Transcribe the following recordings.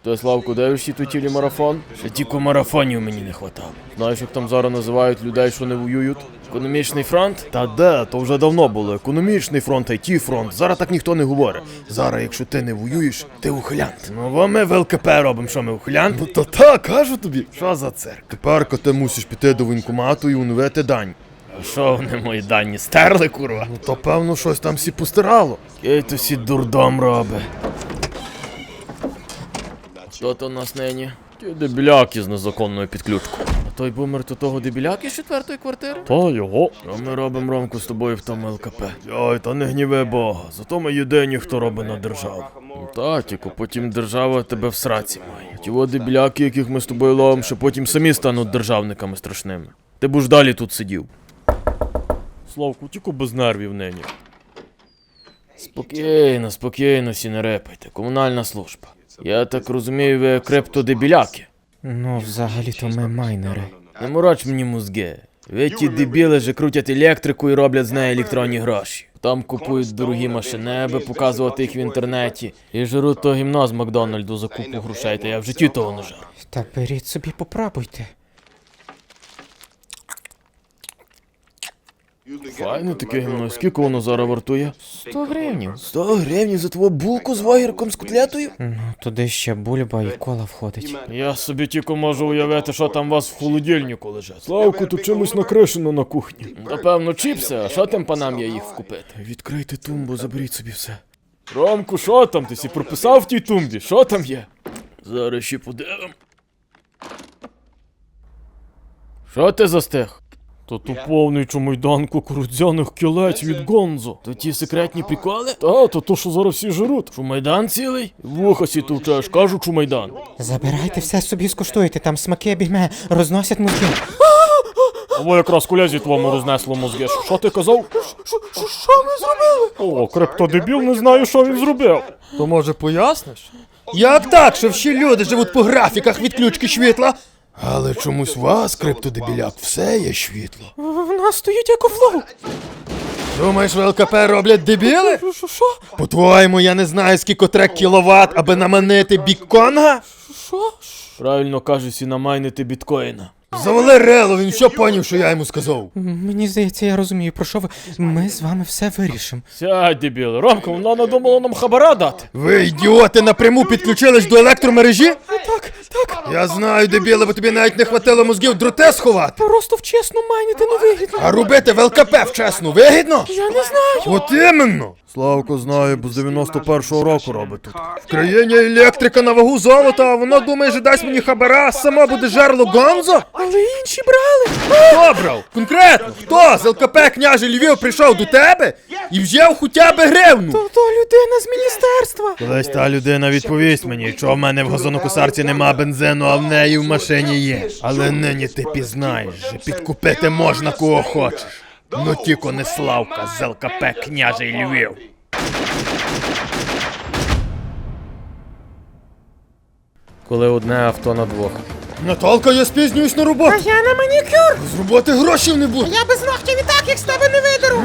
Ти, Славку, дивишся той телемарафон? Ще тільки марафонів мені не хватало. Знаєш, як там зараз називають людей, що не воюють? Економічний фронт? Та де, то вже давно було. Економічний фронт, IT-фронт. Зараз так ніхто не говорить. Зараз, якщо ти не воюєш, ти ухилянт. Ну, бо ми в ЛКП робимо, що ми ухилянт? Ну, то так, кажу тобі. Що за цирк? Тепер ти мусиш піти до воєнкомату і оновити дані. А що вони мої дані стерли, курва? Ну, то певно щось там всі постирало. Який то всі дурдом робить. Хто то у нас нині? Ті дебіляки з незаконною підключкою. А той бумер то того дебіляки з 4-ї квартири? Та його. Що ми робимо, Ромку, з тобою в тому ЛКП? Ой, та не гніви Бога. Зато ми єдині, хто робить на державу. Ну та, тільки потім держава тебе в сраці має. Ті дебіляки, яких ми з тобою ловимо, що потім самі стануть державниками страшними. Ти б ж далі тут сидів. Славку, тільки без нервів нині. Спокійно, спокійно, всі не репайте. Комунальна служба. Я так розумію, ви криптодебіляки. Ну, взагалі-то ми майнери. Не мороч мені мозги. Ви ті дебіли же крутять електрику і роблять з неї електронні гроші. Там купують дорогі машини, аби показувати їх в інтернеті. І жруть то гімно з Макдональду за купу грошей, та я в житті того не жар. Та беріть собі, попробуйте. Файне таке гімно. Скільки воно зараз вартує? 100 гривнів. 100 гривень за твою булку з вагірком з котлетою? Ну, туди ще бульба і кола входить. Я собі тільки можу уявити, що там у вас в холодильнику лежить. Славку, тут чимось накришено на кухні. Напевно, чіпси, а що тим панам я їх вкупити? Відкрийте тумбу, заберіть собі все. Ромку, що там? Ти сі прописав в тій тумбі? Що там є? Зараз ще подивим. Що ти застиг? То ту повний чумайдан кукурудзяних кілець від Гонзо. То ті секретні приколи? Та, то що зараз всі жируть. Чумайдан цілий? Вуха сі товчеш, кажу чумайдан. Забирайте все собі, скуштуйте, там смаки бігме, розносять мозки. Або якраз колязі твому рознесло мозги. Що ти казав? Що ми зробили? О, криптодебіл, не знаю, що він зробив. То може поясниш? Як так, що всі люди живуть по графіках відключки світла? Але чомусь вас, криптодебіляк, все є світло. В нас стоїть екофлоу. Думаєш, в ЛКП роблять дебіли? Що? По-твоєму, я не знаю, скільки треба кіловат, аби наманити бікконга? Що? Правильно каже, сі намайнити біткоїна. Завали рело, він що поняв, що я йому сказав? Мені здається, я розумію, про що ви. Ми з вами все вирішимо. Сядь, дебіли. Ромка, вона надумала нам хабара дати. Ви, ідіоти, напряму підключились до електромережі? Так. Я знаю, дебіли, бо тобі навіть не хватило мозгів дроте сховати. Просто вчасно майнити не вигідно. А робити в ЛКП вчасно вигідно? Я не знаю. От іменно! Славко знає, бо з 91-го року робить тут. В країні електрика на вагу золота, а вона думає, що дасть мені хабара, а сама буде жерло Гонзо? Але інші брали. Хто брав? Конкретно, хто з ЛКП княже Львів прийшов до тебе і взяв хоча б гривну? То людина з міністерства. Колись та людина відповість мені, що в мене в газонокосарці нема бензину, а в неї в машині є. Але нині ти пізнаєш, що підкупити можна кого хочеш. Ну тільки не Славка з ЛКП княже Львів. Коли одне авто на двох. Наталка, я спізнююсь на роботу. Я на манікюр. З роботи грошей не буде. Я без ногтів і так, як з тебе не видеру.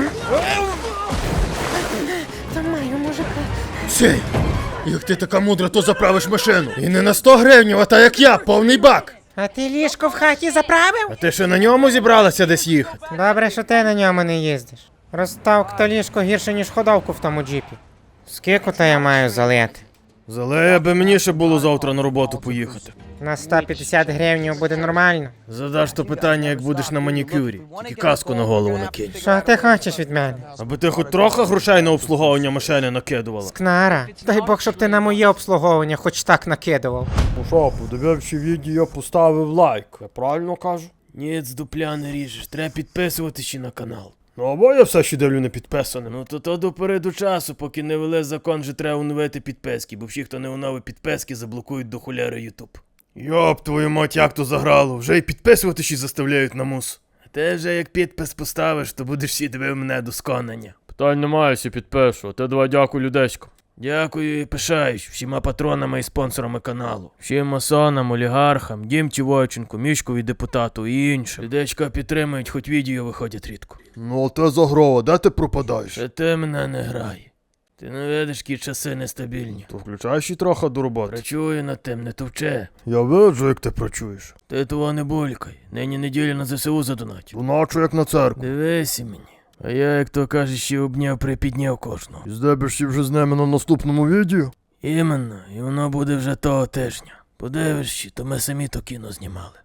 Та маю, мужика. Сей, як ти така мудра, то заправиш машину. І не на 100 гривень, а та як я, повний бак. А ти ліжко в хаті заправив? А ти ще на ньому зібралася десь їхати? Добре, що ти на ньому не їздиш. Розставка та ліжко гірше, ніж ходовку в тому джипі. Скільки то я маю залити? Залея би мені ще було завтра на роботу поїхати. На 150 гривень буде нормально. Задаш то питання, як будеш на манікюрі. Тільки каску на голову накинь. Що ти хочеш від мене? Аби ти хоч трохи грошей на обслуговування машини накидувала. Кнара, дай Бог, щоб ти на моє обслуговування хоч так накидував. Ну що, подививши відео, поставив лайк. Я правильно кажу? Ні, з дупля не ріжеш. Треба підписуватися ще на канал. Ну або я все ще дивлю не підписаним. Ну то допереду часу, поки не вели закон, вже треба оновити підписки, бо всі, хто не оновив підписки, заблокують до хуляри Ютуб. Йоп, твою мать, як то заграло. Вже й підписувати ще заставляють на мус. А ти вже як підпис поставиш, то будеш всі дивив мене до сконання. Питань немає, всі підпишу. А ти давай дякую, людесько. Дякую і пишаюсь всіма патронами і спонсорами каналу. Всім масонам, олігархам, Дімці Войченку, Мішкові депутату і іншим. Людечка підтримують, хоч відео виходять рідко. Ну, а те загрова, де ти пропадаєш? Та ти мене не грай. Ти не видиш, які часи нестабільні. То включай ще трохи до роботи. Працюю над тим, не товче. Я виджу, як ти працюєш. Ти того не булькай. Нині неділя на ЗСУ задонатів. Доначу, як на церкву. Дивися мені. А я, як то кажеш, ще обняв припідняв кожного. І здебешся вже з ними на наступному відео? Іменно, і воно буде вже того тижня. Подивишся, то ми самі то кіно знімали.